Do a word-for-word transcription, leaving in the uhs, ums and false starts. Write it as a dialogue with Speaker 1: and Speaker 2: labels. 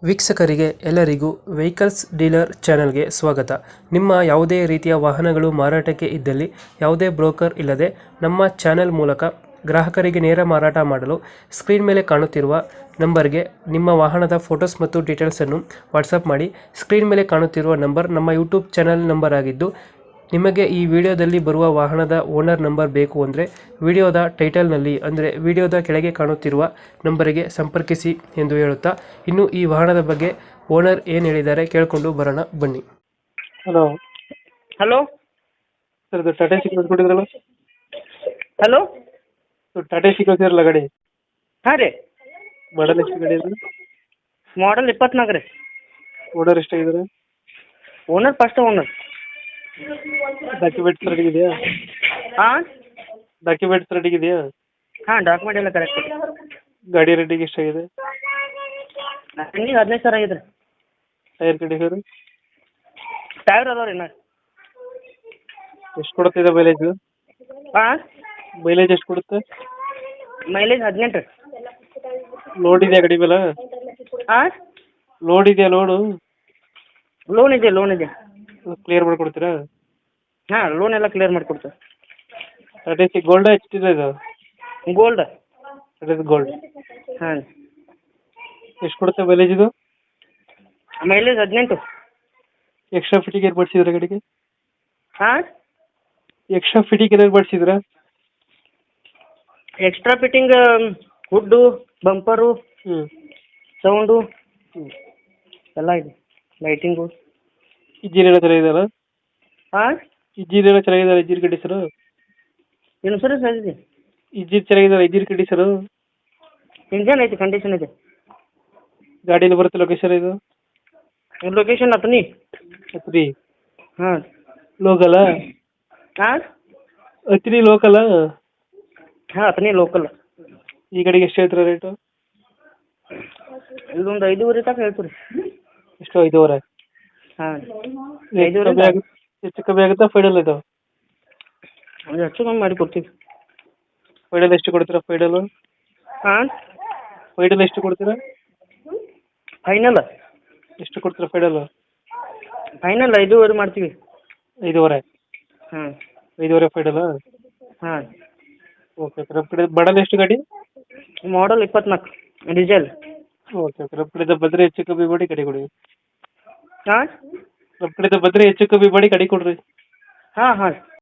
Speaker 1: ವೀಕ್ಷಕರಿಗೆ ಎಲ್ಲರಿಗೂ vehicles dealer ಚಾನೆಲ್ಗೆ ಸ್ವಾಗತ. ನಿಮ್ಮ ಯಾವುದೇ ರೀತಿಯ ವಾಹನಗಳು ಮಾರಾಟಕ್ಕೆ ಇದ್ದಲ್ಲಿ ಯಾವುದೇ ಬ್ರೋಕರ್ ಇಲ್ಲದೆ ನಮ್ಮ ಚಾನೆಲ್ ಮೂಲಕ ಗ್ರಾಹಕರಿಗೆ ನೇರ ಮಾರಾಟ ಮಾಡಲು ಸ್ಕ್ರೀನ್ ಮೇಲೆ ಕಾಣುತ್ತಿರುವ ನಂಬರ್ಗೆ ನಿಮ್ಮ ವಾಹನದ ಫೋಟೋಸ್ ಮತ್ತು ಡೀಟೇಲ್ಸನ್ನು ವಾಟ್ಸಪ್ ಮಾಡಿ. ಸ್ಕ್ರೀನ್ ಮೇಲೆ ಕಾಣುತ್ತಿರುವ ನಂಬರ್ ನಮ್ಮ ಯೂಟ್ಯೂಬ್ ಚಾನೆಲ್ ನಂಬರ್ ಆಗಿದ್ದು, ನಿಮಗೆ ಈ ವಿಡಿಯೋದಲ್ಲಿ ಬರುವ ವಾಹನದ ಓನರ್ ನಂಬರ್ ಬೇಕು ಅಂದರೆ ವಿಡಿಯೋದ ಟೈಟಲ್ನಲ್ಲಿ ಅಂದರೆ ವಿಡಿಯೋದ ಕೆಳಗೆ ಕಾಣುತ್ತಿರುವ ನಂಬರಿಗೆ ಸಂಪರ್ಕಿಸಿ ಎಂದು ಹೇಳುತ್ತಾ, ಇನ್ನು ಈ ವಾಹನದ ಬಗ್ಗೆ ಓನರ್ ಏನು ಹೇಳಿದ್ದಾರೆ ಕೇಳಿಕೊಂಡು ಬರೋಣ ಬನ್ನಿ. ಹಲೋ
Speaker 2: ಹಲೋ
Speaker 1: ಸರ್, ಇದು ಟಾಟಾ ಸಿ ಕಳಿಸ್ಕೊಟ್ಟಿದ್ರಲ್ಲ,
Speaker 2: ಹಲೋ
Speaker 1: ಟಾಟಾ ಸಿ ಕಳಿಸಿದ್ರಲ್ಲ ಗಾಡಿ,
Speaker 2: ಹಾಂ ರೀ.
Speaker 1: ಮಾಡಲ್ ಎಷ್ಟು ಗಾಡಿ ಇದೆ?
Speaker 2: ಮಾಡಲ್ ಇಪ್ಪತ್ನಾಲ್ಕು ರೀ.
Speaker 1: ಓನರ್ ಎಷ್ಟಾಗಿದ್ದಾರೆ?
Speaker 2: Owner first owner.
Speaker 1: Documents ready ಇದೆಯಾ?
Speaker 2: ಹಾಂ
Speaker 1: ಡಾಕ್ಯುಮೆಂಟ್ಸ್ ರೆಡಿ ಇದೆಯಾ?
Speaker 2: ಹಾಂ ಡಾಕ್ಯುಮೆಂಟ್ ಎಲ್ಲ ಕರೆಕ್ಟ್.
Speaker 1: ಗಾಡಿ ರೆಡಿಗೆ ಎಷ್ಟಾಗಿದೆ?
Speaker 2: ರನ್ನಿಂಗ್ ಹದಿನೈದು ಸಾವಿರ ಆಗಿದೆ ರೀ.
Speaker 1: ಟೈರ್ ಕಂಡೀಷನ್
Speaker 2: ಟೈರ್ ಅದಾವ ರೀ. ನಾ
Speaker 1: ಎಷ್ಟು ಕೊಡುತ್ತೆ ಮೈಲೇಜ್?
Speaker 2: ಹಾಂ
Speaker 1: ಮೈಲೇಜ್ ಎಷ್ಟು ಕೊಡುತ್ತೆ?
Speaker 2: ಮೈಲೇಜ್ ಹದಿನೆಂಟು ರೀ.
Speaker 1: ಲೋಡ್ ಇದೆಯಾ ಗಾಡಿ ಮೇಲೆ?
Speaker 2: ಹಾಂ
Speaker 1: ಲೋಡ್ ಇದೆಯಾ? ಲೋಡು
Speaker 2: ಲೋನ್ ಇದೆ, ಲೋನ್ ಇದೆ.
Speaker 1: ಕ್ಲಿಯರ್ ಮಾಡಿಕೊಡ್ತೀರಾ?
Speaker 2: ಹಾಂ ಲೋನ್ ಎಲ್ಲ ಕ್ಲಿಯರ್ ಮಾಡಿಕೊಡ್ತೇವೆ.
Speaker 1: Tata Ace gold H T ಇದು?
Speaker 2: ಗೋಲ್ಡ್.
Speaker 1: Tata Ace gold.
Speaker 2: ಹಾಂ
Speaker 1: ಎಷ್ಟು ಕೊಡುತ್ತೆ ಮೈಲೇಜ್ ಇದು?
Speaker 2: ಮೈಲೇಜ್ ಹದಿನೆಂಟು.
Speaker 1: ಎಕ್ಸ್ಟ್ರಾ ಫಿಟ್ಟಿಂಗ್ ಏನು ಮಾಡಿಸಿದ್ರೆ ಗಾಡಿಗೆ?
Speaker 2: ಹಾಂ
Speaker 1: ಎಕ್ಸ್ಟ್ರಾ ಫಿಟ್ಟಿಂಗ್ ಏನಾದ್ರು ಮಾಡಿಸಿದ್ರಾ?
Speaker 2: ಎಕ್ಸ್ಟ್ರಾ ಫಿಟ್ಟಿಂಗ್ ಹುಡ್ಡು, ಬಂಪರು,
Speaker 1: ಹ್ಞೂ
Speaker 2: ಸೌಂಡು
Speaker 1: ಹ್ಞೂ
Speaker 2: ಎಲ್ಲ ಇದೆ. ಲೈಟಿಂಗು.
Speaker 1: ಇಂಜಿನ್ ಎಲ್ಲ ಚೆನ್ನಾಗಿದೆಯಲ್ಲ?
Speaker 2: ಹಾಂ
Speaker 1: ಇಂಜಿನ್ ಎಲ್ಲ ಚೆನ್ನಾಗಿದ್ದಾರೆ? Engine condition?
Speaker 2: ಇನ್ಸೂರೆನ್ಸ್ ಇದೆ.
Speaker 1: ಇಂಜಿನ್ ಚೆನ್ನಾಗಿದ್ದಾರೆ? Engine condition?
Speaker 2: ಇಂಜನ್ ಐತಿ, ಕಂಡೀಷನ್ ಇದೆ.
Speaker 1: ಗಾಡಿಯಲ್ಲಿ ಬರುತ್ತೆ ಲೊಕೇಶನ್ ಇದು?
Speaker 2: ಲೊಕೇಶನ್ ಅತನಿ.
Speaker 1: ಅತ್ರಿ
Speaker 2: ಹಾಂ
Speaker 1: ಲೋಕಲ?
Speaker 2: ಹಾಂ
Speaker 1: ಅತ್ರಿ ಲೋಕಲ?
Speaker 2: ಹಾಂ ಅತನಿ ಲೋಕಲ್.
Speaker 1: ಈ ಗಾಡಿಗೆ ಎಷ್ಟು ಹೇಳ್ತೀರಾ ರೇಟು?
Speaker 2: ಇದೊಂದು ಐದೂವರೆ ತನಕ ಹೇಳ್ತೀವಿ ರೀ.
Speaker 1: ಎಷ್ಟು? ಐದೂವರೆ?
Speaker 2: ಹಾಂ
Speaker 1: ಹೆಚ್ಚು
Speaker 2: ಐದೂವರೆ
Speaker 1: ಕಮ್ಮಿ ಆಗುತ್ತೆ? ಹೆಚ್ಚು ಕಮ್ಮಿ ಆಗುತ್ತಾ ಫೈನಲ್ ಇದು?
Speaker 2: ಒಂದು ಹೆಚ್ಚು ಕಮ್ಮಿ ಮಾಡಿ ಕೊಡ್ತೀವಿ.
Speaker 1: ಫೈನಲ್ ಎಷ್ಟು ಕೊಡ್ತೀರಾ? ಫೈನಲ್
Speaker 2: ಹಾಂ
Speaker 1: ಫೈನಲ್ ಎಷ್ಟು ಕೊಡ್ತೀರಾ?
Speaker 2: ಫೈನಲ್
Speaker 1: ಎಷ್ಟು ಕೊಡ್ತೀರಾ ಫೈನಲ್?
Speaker 2: ಫೈನಲ್ ಐದೂವರೆ ಮಾಡ್ತೀವಿ.
Speaker 1: ಐದೂವರೆ?
Speaker 2: ಹಾಂ
Speaker 1: ಐದೂವರೆ ಫೈನಲಾ?
Speaker 2: ಹಾಂ
Speaker 1: ಓಕೆ ಓಕೆ. ನಮ್ಮ ಕಡೆ ಮಾಡಲ್ ಎಷ್ಟು ಗಾಡಿ?
Speaker 2: ಮಾಡಲ್ ಇಪ್ಪತ್ನಾಲ್ಕು ಡೀಸೆಲ್.
Speaker 1: Okay okay. ನಮ್ಮ ಕಡೆಯಿಂದ ಬಂದರೆ ಹೆಚ್ಚು ಕಮ್ಮಿ ಮಾಡಿ ಗಾಡಿ ಕೊಡಿ.
Speaker 2: ಹಾಂ
Speaker 1: ನಮ್ಮ ಕಡೆಯಿಂದ ಬಂದರೆ ಹೆಚ್ಚು ಕಮ್ಮಿ ಮಾಡಿ ಗಾಡಿ ಕೊಡ್ರಿ.
Speaker 2: ಹಾಂ ಹಾಂ